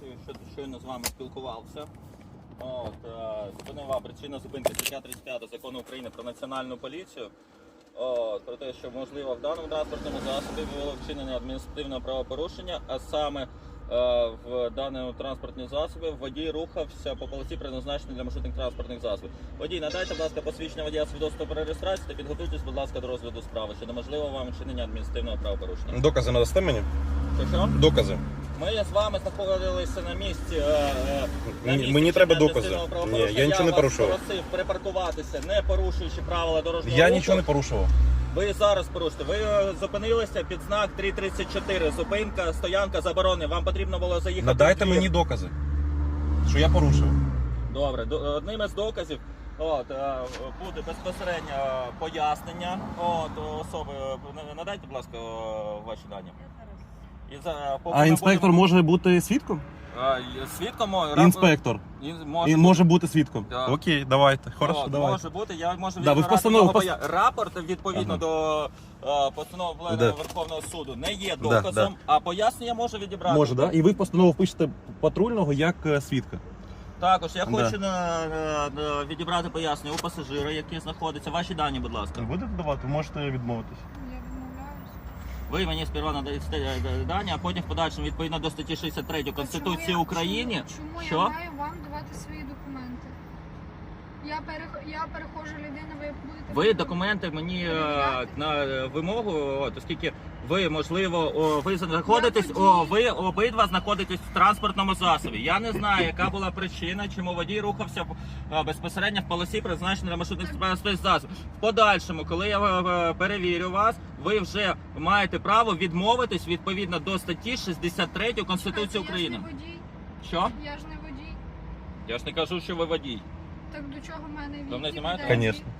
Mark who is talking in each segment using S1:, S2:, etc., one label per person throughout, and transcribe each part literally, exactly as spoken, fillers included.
S1: що щойно з вами спілкувався. От, е, зупинила причина зупинки стаття тридцять п'ять Закону України про національну поліцію. От, про те, що можливо в даному транспортному засобі було вчинення адміністративного правопорушення, а саме е, в даному транспортному засобі водій рухався по полосі, призначеній для маршрутних транспортних засобів. Водій, надайте, будь ласка, посвідчення водія свідоцтва про реєстрацію та підготуйтесь, будь ласка, до розгляду справи, що неможливо вам вчинення адміністративного правопорушення.
S2: Докази надасте мені?
S1: Що, що?
S2: Докази.
S1: Ми з вами знаходилися на місці. Е, на місці
S2: Мені треба
S1: вчинення
S2: докази.
S1: адміністративного
S2: Ні, я нічого не порушував.
S1: Я вас просив припаркуватися, не порушуючи правила дорожнього
S2: Я
S1: руху.
S2: нічого не порушував.
S1: Ви зараз порушите. Ви е, зупинилися під знак три тридцять чотири. Зупинка, стоянка заборонена. Вам потрібно було заїхати.
S2: Надайте
S1: в двір.
S2: мені докази, що я порушив.
S1: Добре, до- одним із доказів от, е, буде безпосередньо пояснення от, особи. Надайте, будь ласка, ваші дані. І за, поки
S3: А
S1: ми
S3: інспектор
S1: будемо-
S3: може бути свідком?
S1: Е, Свідком мо-
S3: Інспектор.
S1: Ін-
S3: Він
S1: може
S3: може бути свідком.
S1: Да.
S2: Окей, давайте. Хорошо,
S1: От,
S2: давайте.
S1: може бути, я можу
S3: Да, ви в
S1: відбирати
S3: постанову
S1: його
S3: пос-
S1: поя- рапорт відповідно
S3: Ага.
S1: до е, постанови Пленуму
S2: Да.
S1: Верховного суду не є
S2: Да,
S1: доказом,
S2: да.
S1: а пояснення може відібрати.
S3: Може, да? І ви в постанову впишете патрульного як е, свідка.
S1: Також я
S3: Да.
S1: хочу на, на- на- відібрати пояснення у пасажира, який знаходиться. Ваші дані, будь ласка.
S3: Будете давати, можете відмовитись.
S4: Я відмовляюсь.
S1: Ви мені сперва надаєте е, дані, а потім в подальшому відповідно до статті шістдесят три Конституції
S4: Чому я-
S1: України.
S4: Чому, чому
S1: Що?
S4: я маю вам давати свої документи? Я, перех... я перехожа людина, ви будете...
S1: Ви документи мені е,
S4: Перевіряти?
S1: на вимогу, от, оскільки ви, можливо, о, ви знаходитесь,
S4: Я
S1: о,
S4: водій.
S1: ви обидва знаходитесь в транспортному засобі. Я не знаю, яка була причина, чому водій рухався е, безпосередньо в полосі, призначеній для маршрутних транспортних засобів. В подальшому, коли я е, перевірю вас, ви вже маєте право відмовитись відповідно до статті шістдесят три Конституції України.
S4: Я ж не водій.
S1: Що?
S4: Я ж не водій.
S1: Я ж не кажу, що ви водій.
S4: Так до чого в мене
S1: Ви мене
S4: які
S1: знімаєте?
S4: претензії?
S2: Конечно.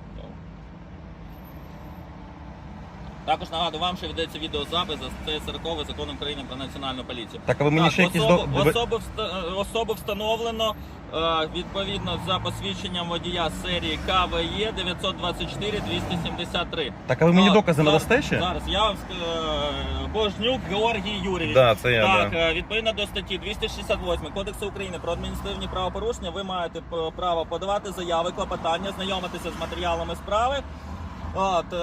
S1: Також нагадую вам, що ведеться відеозапис за статтею сорок Закону України про національну поліцію.
S2: Так, а ви мені
S1: Так,
S2: ще якісь
S1: особу,
S2: до... ви-
S1: особу, вста- особу встановлено е, відповідно за посвідченням водія серії К В Е дев'ятсот двадцять чотири двісті сімдесят три.
S2: Так, а ви мені
S1: От,
S2: докази
S1: зараз-
S2: надасте ще?
S1: Зараз я вам е, Божнюк Георгій Юрійович.
S2: Да, це я,
S1: Так,
S2: да.
S1: е, відповідно до статті двісті шістдесят восьмої Кодексу України про адміністративні правопорушення, ви маєте п- право подавати заяви, клопотання, знайомитися з матеріалами справи. От, е,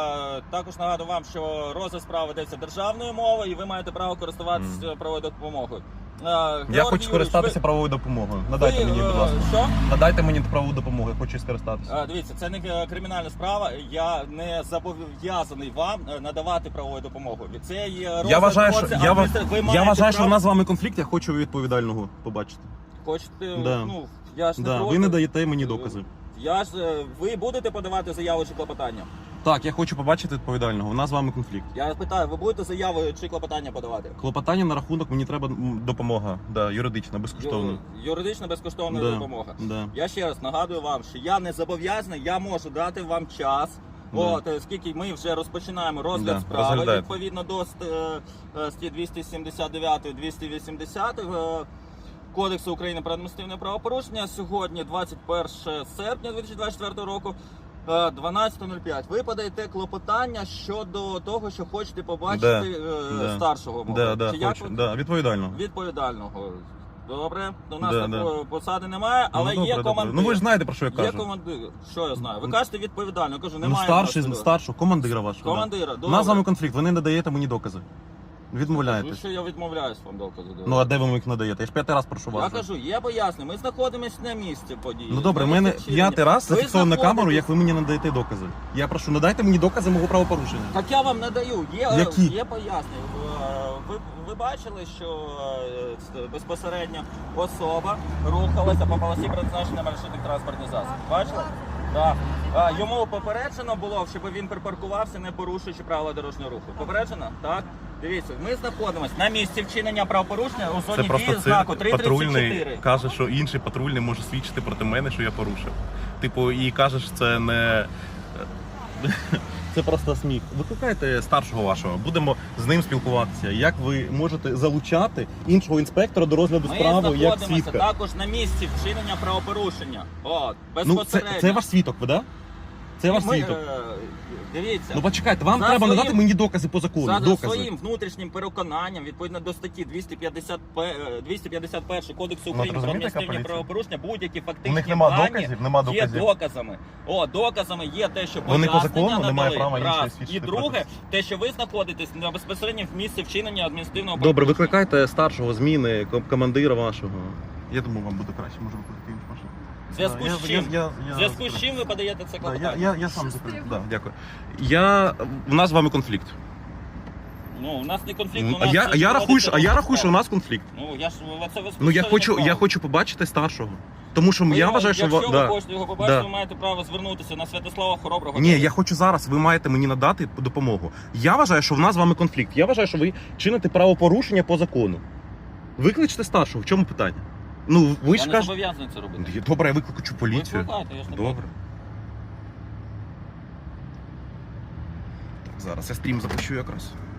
S1: також нагадую вам, що розгляд справи ведеться державною мовою, і ви маєте право користуватися
S2: Мгм.
S1: правовою допомогою. Е,
S2: Я
S1: Георгій
S2: хочу скористатися
S1: Юрійович,
S2: правовою допомогою.
S1: ви-
S2: Надайте
S1: ви,
S2: мені, будь
S1: е,
S2: ласка.
S1: Що?
S2: Надайте мені правову допомогу, я хочу скористатися.
S1: Е, Дивіться, це не е, кримінальна справа. Я не зобов'язаний вам е, надавати правову допомогу. Це є
S2: Я
S1: розгляд
S2: вважаю, що,
S1: процесу,
S2: я, ва-
S1: адміністра- ви
S2: я
S1: маєте
S2: вважаю, що
S1: право-
S2: в нас з вами конфлікт, я хочу відповідального побачити.
S1: Хочете,
S2: Да.
S1: ну, я ж не
S2: Да,
S1: проти.
S2: ви не даєте мені докази.
S1: Я ж, е, ви будете подавати заяву чи клопотання?
S2: Так, я хочу побачити відповідального. У нас з вами конфлікт.
S1: Я питаю, ви будете заяву чи клопотання подавати?
S2: Клопотання на рахунок, мені треба м, допомога. Да, юридична, безкоштовна.
S1: Ю- Юридична безкоштовна
S2: Да,
S1: допомога.
S2: да.
S1: Я ще раз нагадую вам, що я не зобов'язаний, я можу дати вам час.
S2: Да.
S1: От, оскільки ми вже розпочинаємо розгляд
S2: Да,
S1: справи
S2: розглядайте.
S1: відповідно до ст- е, е, статті двісті сімдесят дев'ять двісті вісімдесят е, Кодексу України про адміністративне правопорушення. Сьогодні двадцять перше серпня дві тисячі двадцять четвертого року. е, дванадцята нуль п'ять. Ви подаєте клопотання щодо того, що хочете побачити
S2: Да,
S1: е,
S2: да.
S1: старшого мого.
S2: Да, да,
S1: Чи як
S2: хочу.
S1: ви-
S2: Да, відповідального.
S1: Відповідального. Добре, до нас
S2: Да,
S1: такої посади немає, але
S2: ну,
S1: є
S2: добре,
S1: командир.
S2: добре. Ну ви ж знаєте, про що я
S1: Є
S2: кажу.
S1: командир. Що я знаю? Ви кажете відповідально. Я кажу,
S2: Ну,
S1: немає.
S2: старший,
S1: просто.
S2: старшого, командира вашого.
S1: Командира,
S2: Да. У
S1: добре.
S2: нас з вами конфлікт, ви не надаєте мені докази.
S1: Ну,
S2: Відмовляєтесь.
S1: що я відмовляюсь вам докази давати.
S2: Ну а де ви мені їх надаєте? Я ж п'ятий раз прошу
S1: Я
S2: вас. вже.
S1: кажу, є пояснення. Ми знаходимося на місці події.
S2: Ну добре, в
S1: На
S2: мене
S1: місці вчинення.
S2: п'ятий раз
S1: Ви
S2: зафіксовано на камеру,
S1: знаходитесь-
S2: як ви мені надаєте докази. Я прошу, надайте мені докази мого правопорушення.
S1: Так я вам надаю. Є, е,
S2: Які?
S1: є пояснення. Е, Ви, ви бачили, що е, це безпосередньо особа рухалася по полосі призначення маршрутних транспортних засобів. Бачили? Так. Е, Йому попереджено було, щоб він припаркувався, не порушуючи правила дорожнього руху. Попереджено? Так. Дивіться, ми знаходимося на місці вчинення правопорушення у
S2: Це
S1: зоні
S2: просто
S1: дії
S2: цирк.
S1: знаку три тридцять
S2: Патрульний
S1: чотири.
S2: каже, що інший патрульний може свідчити проти мене, що я порушив. Типу, і каже, що це не. Це просто сміх. Викликайте старшого вашого, будемо з ним спілкуватися. Як ви можете залучати іншого інспектора до розгляду
S1: Ми
S2: справи як
S1: знаходимося
S2: свідка?
S1: також на місці вчинення правопорушення. От,
S2: Ну, це,
S1: безпосередньо.
S2: це ваш свідок, ви, да?
S3: Це ваш
S1: Ми,
S3: свідок.
S1: е, Дивіться.
S3: Ну почекайте, вам
S1: За
S3: треба
S1: своїм-
S3: надати мені докази по закону.
S1: За
S3: докази.
S1: своїм внутрішнім переконанням, відповідно до статті двісті п'ятдесят пе- двісті п'ятдесят перший Кодексу
S2: Ну,
S1: України
S2: от
S1: про
S2: розумієте, яка
S1: адміністративні
S2: поліція?
S1: правопорушення, будь-які фактичні
S2: У них нема
S1: дані
S2: доказів, нема
S1: є
S2: доказів.
S1: доказами. О, доказами є те, що
S2: Вони по
S1: пояснення
S2: закону не мають
S1: надали,
S2: права іншої
S1: раз. І
S2: свідчити
S1: друге,
S2: проти.
S1: те, що ви знаходитесь на безпосередньо в місці вчинення адміністративного
S3: Добре,
S1: правопорушення.
S3: викликайте старшого зміни, ком- командира вашого.
S2: Я думаю, вам буде краще, може викликати іншу машину.
S1: В зв'язку
S2: Да,
S1: з
S2: я-
S1: чим?
S2: я- я-
S1: В
S2: я
S1: зв'язку з
S2: закрив.
S1: чим ви подаєте це
S2: Да,
S1: клопотання?
S2: я, я, я сам
S4: Щасливо.
S2: закрив.
S3: Да, дякую. Я... У нас з вами конфлікт.
S1: Ну, у нас не конфлікт,
S3: Ну,
S1: у
S3: А
S1: нас
S3: я,
S1: це
S3: а я рахую, що, а я
S1: проводиться
S3: рахую, що у нас конфлікт.
S1: Ну, я ж це ви
S3: Ну я
S1: спустили
S3: хочу,
S1: направо.
S3: я хочу побачити старшого. Тому що
S1: Ви
S3: я
S1: його-
S3: вважаю, що
S1: якщо
S3: ва-
S1: ви
S3: да.
S1: хочете його побачити,
S3: Да.
S1: ви маєте право звернутися на Святослава Хороброго.
S3: Ні, я хочу зараз. Ви маєте мені надати допомогу. Я вважаю, що в нас з вами конфлікт. Я вважаю, що ви чините правопорушення по закону. Викличте старшого. В чому питання? Ну ви
S1: Я
S3: ж
S1: не
S3: кажете.
S1: зобов'язаний це робити.
S3: Добре, я викличу поліцію.
S1: Викликайте, я ж не
S3: Добре.
S1: проти.
S3: Так, зараз я стрім запущу якраз.